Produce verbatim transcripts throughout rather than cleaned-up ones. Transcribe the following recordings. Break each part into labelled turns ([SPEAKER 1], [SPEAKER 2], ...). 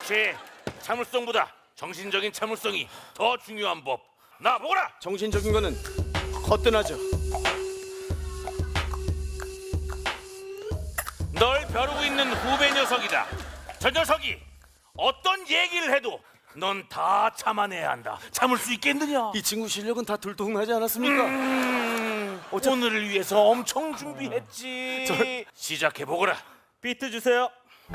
[SPEAKER 1] 그렇지. 참을성보다 정신적인 참을성이 더 중요한 법. 나 보거라.
[SPEAKER 2] 정신적인 거는 거뜬하죠.
[SPEAKER 1] 널 벼르고 있는 후배 녀석이다. 저 녀석이 어떤 얘기를 해도 넌 다 참아내야 한다. 참을 수 있겠느냐?
[SPEAKER 2] 이 친구 실력은 다 들통나지 않았습니까?
[SPEAKER 1] 음, 오늘을 위해서 엄청 준비했지.
[SPEAKER 2] 저...
[SPEAKER 1] 시작해보거라.
[SPEAKER 2] 비트 주세요.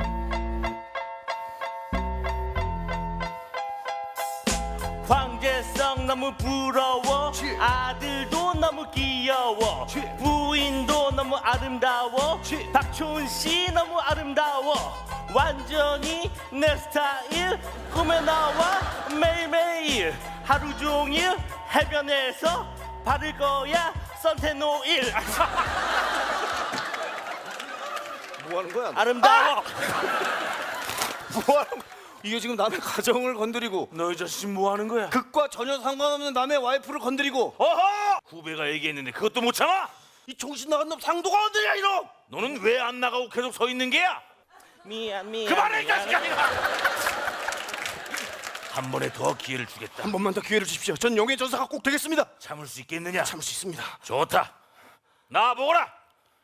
[SPEAKER 3] 황제성 너무 부러워.
[SPEAKER 2] 치.
[SPEAKER 3] 아들도 너무 귀여워.
[SPEAKER 2] 치.
[SPEAKER 3] 부인도 너무 아름다워.
[SPEAKER 2] 치.
[SPEAKER 3] 박초은 씨 너무 아름다워. 완전히 내 스타일. 꿈에 나와 매일매일. 하루 종일 해변에서 바를 거야 선탠오일.
[SPEAKER 2] 뭐 하는 거야?
[SPEAKER 3] 아름다워.
[SPEAKER 2] 뭐 하는 거야? 이게 지금 남의 가정을 건드리고
[SPEAKER 1] 너희 자식 뭐 하는 거야?
[SPEAKER 2] 극과 전혀 상관없는 남의 와이프를 건드리고
[SPEAKER 1] 어허! 후배가 얘기했는데 그것도 못 참아?
[SPEAKER 2] 이 정신 나간 놈 상도가 어디냐 이놈!
[SPEAKER 1] 너는 왜 안 나가고 계속 서 있는 게야?
[SPEAKER 3] 미안 미안.
[SPEAKER 1] 그만해 이
[SPEAKER 3] 미안.
[SPEAKER 1] 자식아! 한 번에 더 기회를 주겠다.
[SPEAKER 2] 한 번만 더 기회를 주십시오. 전 용의 전사가 꼭 되겠습니다.
[SPEAKER 1] 참을 수 있겠느냐?
[SPEAKER 2] 참을 수 있습니다.
[SPEAKER 1] 좋다. 나 보거라.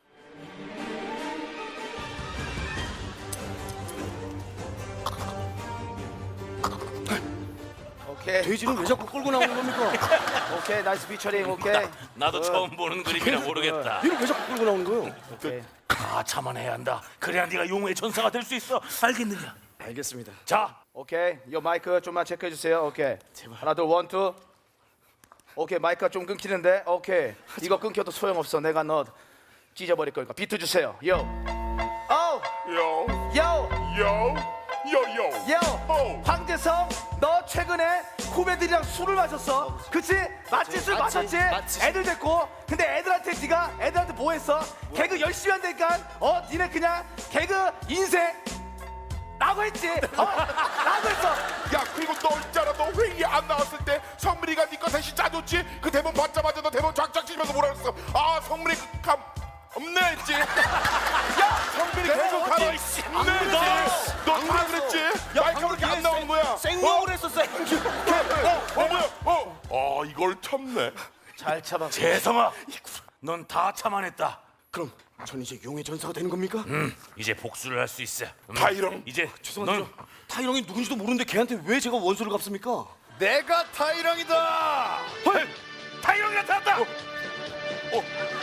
[SPEAKER 4] 오케이
[SPEAKER 2] 돼지는 왜 자꾸 끌고 나오는 겁니까?
[SPEAKER 4] 오케이 나이스 피처링 오케이
[SPEAKER 1] 나도 처음 보는 그림이라 모르겠다.
[SPEAKER 2] 얘를 왜 자꾸 끌고 나오는 거예요?
[SPEAKER 4] 오케이
[SPEAKER 1] 다 참아내야 한다. 그래야 네가 용의 전사가 될 수 있어. 알겠느냐?
[SPEAKER 2] 알겠습니다.
[SPEAKER 1] 자,
[SPEAKER 4] 오케이 요 마이크 좀만 체크해 주세요. 오케이 하나 둘 원 투 오케이 마이크가 좀 끊기는데 오케이 이거 끊겨도 소용없어. 내가 너 찢어버릴 거니까 비트 주세요. 요 오!
[SPEAKER 5] Yo,
[SPEAKER 4] 요!
[SPEAKER 5] yo, yo, yo.
[SPEAKER 4] 요!
[SPEAKER 5] 어.
[SPEAKER 4] 황재성 너 최근에 후배들이랑 술을 마셨어. 그치? 맞지? 술
[SPEAKER 2] 맞지,
[SPEAKER 4] 마셨지?
[SPEAKER 2] 맞지.
[SPEAKER 4] 애들 됐고 근데 애들한테 네가 애들한테 뭐 했어? 개그 열심히 한다니까 어? 니네 그냥 개그 인생 라고 했지? 어? 라고 했어.
[SPEAKER 5] 야, 그리고 너 있잖아. 너 회의에 안 나왔을 때 성민이가 네 거 대신 짜줬지? 그 대본 받자마자 너 대본 쫙쫙 치면서 뭐라 그랬어? 아, 성민이 그 감 없네 했지? 야, 성민이 계속 가라. 없네 했지? 너다 그랬지? 마이크가 그렇게 안 나오는 거야.
[SPEAKER 2] 생목을 했었어. 생주.
[SPEAKER 5] 어, 어, 뭐야? 어. 아, 이걸 참네.
[SPEAKER 4] 잘 참아.
[SPEAKER 1] 재성아, 넌 다 참아냈다.
[SPEAKER 2] 그럼 전 이제 용의 전사가 되는 겁니까?
[SPEAKER 1] 음, 이제 복수를 할 수 있어. 음,
[SPEAKER 5] 타이렁.
[SPEAKER 1] 이제
[SPEAKER 2] 죄송한데
[SPEAKER 1] 넌
[SPEAKER 2] 타이렁이 누군지도 모르는데 걔한테 왜 제가 원수를 갚습니까?
[SPEAKER 5] 내가 타이렁이다.
[SPEAKER 1] 헐! 타이렁이 나타났다. 어. 어.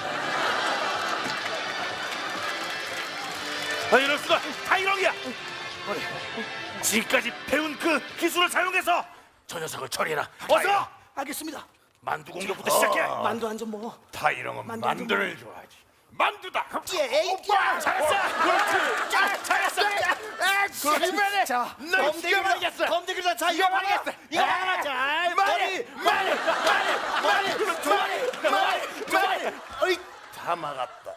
[SPEAKER 1] 아, 이럴 수가. 타이렁이야. 지금까지 배운 그 기술을 사용해서 저 녀석을 처리해라. 어서.
[SPEAKER 2] 알겠습니다.
[SPEAKER 1] 만두 공격부터 시작해.
[SPEAKER 2] 만두 한 점 먹어.
[SPEAKER 1] 타이렁은
[SPEAKER 2] 만두
[SPEAKER 1] 만두를 좋아하지. 만두다.
[SPEAKER 2] 에이,
[SPEAKER 1] 오빠 잘했어. 그렇지. 아, 잘했어.
[SPEAKER 2] 그러면 자,
[SPEAKER 1] 이겨 말이겠어.
[SPEAKER 2] 검대기를 자 이거 말이겠어. 이거 하나 잘 말이 말이 말이 말이 말이 말이 어이
[SPEAKER 1] 다 막았다.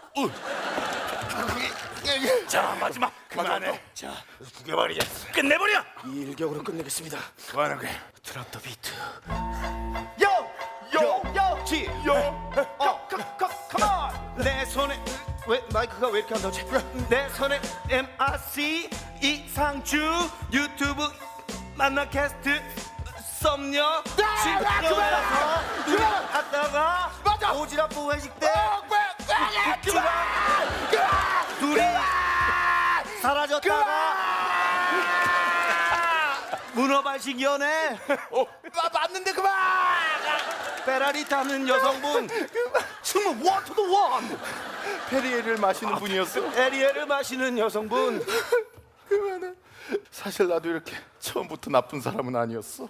[SPEAKER 1] 자, 마지막. 그만해. 자, 두개 말이겠어. 끝내버려.
[SPEAKER 2] 이 일격으로 끝내겠습니다.
[SPEAKER 1] 그만해 그래.
[SPEAKER 2] 드랍 더 비트.
[SPEAKER 4] 요!
[SPEAKER 5] 요,
[SPEAKER 4] 요!
[SPEAKER 2] 지.
[SPEAKER 5] 요.
[SPEAKER 4] 어! 컴온!
[SPEAKER 2] 내 손에 왜 마이크가 왜 이렇게 안 나오지? 내 손에 엠아르씨 이상주 유튜브 만나 캐스트 썸녀 친구라서 하다가
[SPEAKER 4] 맞아!
[SPEAKER 2] 오지랖 회식 때
[SPEAKER 4] 그만!
[SPEAKER 2] 둘이 사라졌다가 문어발식 연애
[SPEAKER 4] 마, 맞는데 그만!
[SPEAKER 2] 페라리 타는 여성분 정말 one to the one
[SPEAKER 5] 페리에를 마시는 분이었어.
[SPEAKER 2] 에리에를 마시는 여성분
[SPEAKER 5] 그만해. 사실 나도 이렇게 처음부터 나쁜 사람은 아니었어.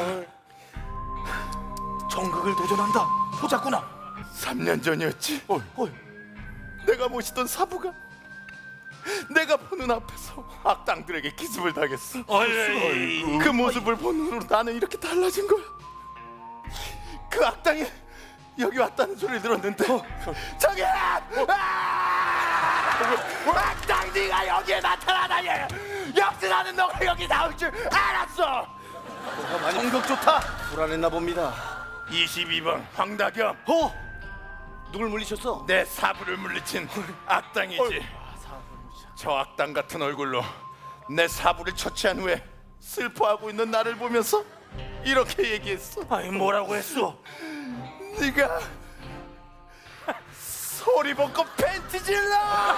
[SPEAKER 2] 정극을 도전한다 보자꾸나
[SPEAKER 5] 삼 년 전이었지.
[SPEAKER 2] 어이, 어이.
[SPEAKER 5] 내가 모시던 사부가 내가 보는 앞에서 악당들에게 기습을 당했어.
[SPEAKER 1] 어이.
[SPEAKER 5] 그 모습을 본 후로 나는 이렇게 달라진 거야. 그 악당이 여기 왔다는 소리를 들었는데 저기 악당 네가 여기에 나타나다니. 역시나는 너가 여기 나올 줄 알았어.
[SPEAKER 2] 정극 좋다 불안했나 봅니다.
[SPEAKER 5] 이십이 번 황다겸.
[SPEAKER 2] 어? 누굴 물리셨어?
[SPEAKER 5] 내 사부를 물리친 악당이지. 저 악당 같은 얼굴로 내 사부를 처치한 후에
[SPEAKER 2] 슬퍼하고 있는 나를 보면서 이렇게 얘기했어.
[SPEAKER 1] 아이 뭐라고 했어?
[SPEAKER 2] 네가 소리 벗고 팬티 질러.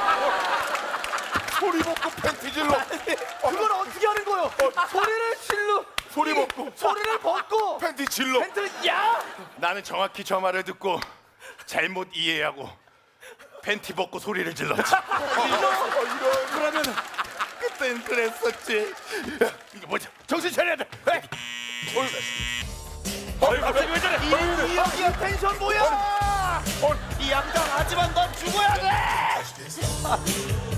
[SPEAKER 5] 소리 벗고 팬티 질러.
[SPEAKER 2] 그걸 어떻게 하는 거요? 소리를 질러.
[SPEAKER 5] 소리 벗고
[SPEAKER 2] 소리를 벗고
[SPEAKER 5] 팬티 질러.
[SPEAKER 2] 팬티를 야. 나는 정확히 저 말을 듣고 잘못 이해하고 팬티 벗고 소리를 질렀지. 그러면 그땐 그랬었지.
[SPEAKER 5] 이거 뭐지? 정신 차려야 돼. 에이.
[SPEAKER 1] 어이 갑자기 왜 저래?
[SPEAKER 2] 이 여기야 텐션 뭐야? 이 양당 하지만 넌 죽어야 돼.